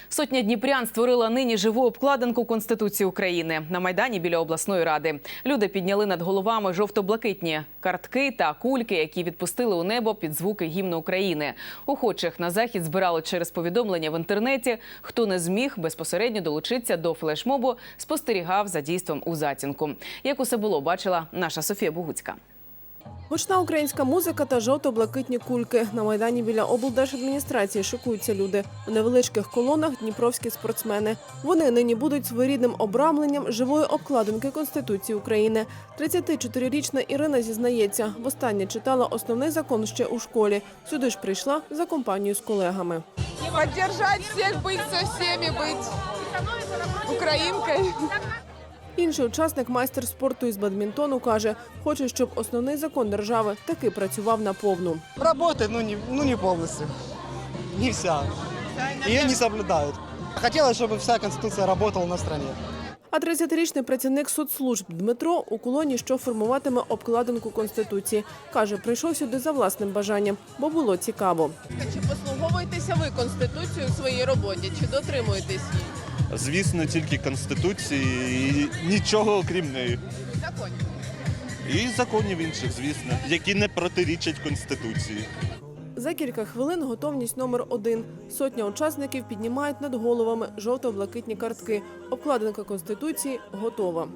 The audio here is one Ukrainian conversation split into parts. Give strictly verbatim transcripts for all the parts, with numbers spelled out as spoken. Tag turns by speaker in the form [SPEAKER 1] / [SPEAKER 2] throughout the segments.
[SPEAKER 1] Сотня дніпрян створила нині живу обкладинку Конституції України на Майдані біля обласної ради. Люди підняли над головами жовто-блакитні картки та кульки, які відпустили у небо під звуки гімну України. Охочих на захід збирали через повідомлення в інтернеті. Хто не зміг безпосередньо долучитися до флешмобу, спостерігав за дійством у затінку. Як усе було, бачила наша Софія Богуцька.
[SPEAKER 2] Гучна українська музика та жовто-блакитні кульки. На Майдані біля облдержадміністрації шикуються люди. У невеличких колонах дніпровські спортсмени. Вони нині будуть своєрідним обрамленням живої обкладинки Конституції України. тридцятичотирирічна Ірина зізнається, востаннє читала основний закон ще у школі. Сюди ж прийшла за компанією з колегами.
[SPEAKER 3] Поддержать всех, быть со всеми, быть українкою.
[SPEAKER 2] Інший учасник, майстер спорту із бадмінтону, каже, хоче, щоб основний закон держави таки працював наповну.
[SPEAKER 4] Работает, но не, ну не полностью. Не вся. Ее не соблюдают. Хотелось, чтобы вся Конституция работала на стране.
[SPEAKER 2] А тридцятирічний працівник соцслужб Дмитро у колоні, що формуватиме обкладинку Конституції. Каже, прийшов сюди за власним бажанням, бо було цікаво.
[SPEAKER 3] Чи послуговуєтеся ви Конституцією у своїй роботі? Чи дотримуєтесь її?
[SPEAKER 5] Звісно, тільки Конституції і нічого окрім неї.
[SPEAKER 3] Законів.
[SPEAKER 5] І законів інших, звісно, які не протирічать Конституції.
[SPEAKER 2] За кілька хвилин готовність номер один. Сотня учасників піднімають над головами жовто-блакитні картки. Обкладинка Конституції готова.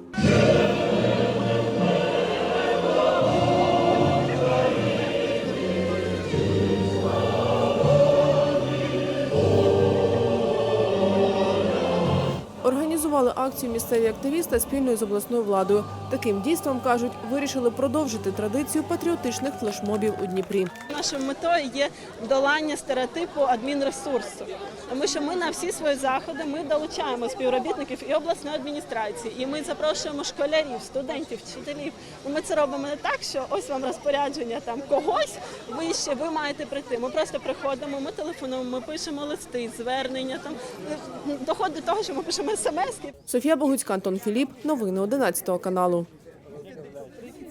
[SPEAKER 2] Організували акцію місцеві активісти спільно з обласною владою. Таким дійством, кажуть, вирішили продовжити традицію патріотичних флешмобів у Дніпрі.
[SPEAKER 6] Нашою метою є долання стереотипу адмінресурсу. Тому що ми на всі свої заходи ми долучаємо співробітників і обласної адміністрації, і ми запрошуємо школярів, студентів, вчителів. Ми це робимо не так, що ось вам розпорядження там когось вище, ви маєте прийти. Ми просто приходимо, ми телефонуємо, ми пишемо листи, звернення, там доходить до того, що ми пишемо смски.
[SPEAKER 2] Софія Богуцька, Антон Філіп. Новини одинадцятого каналу.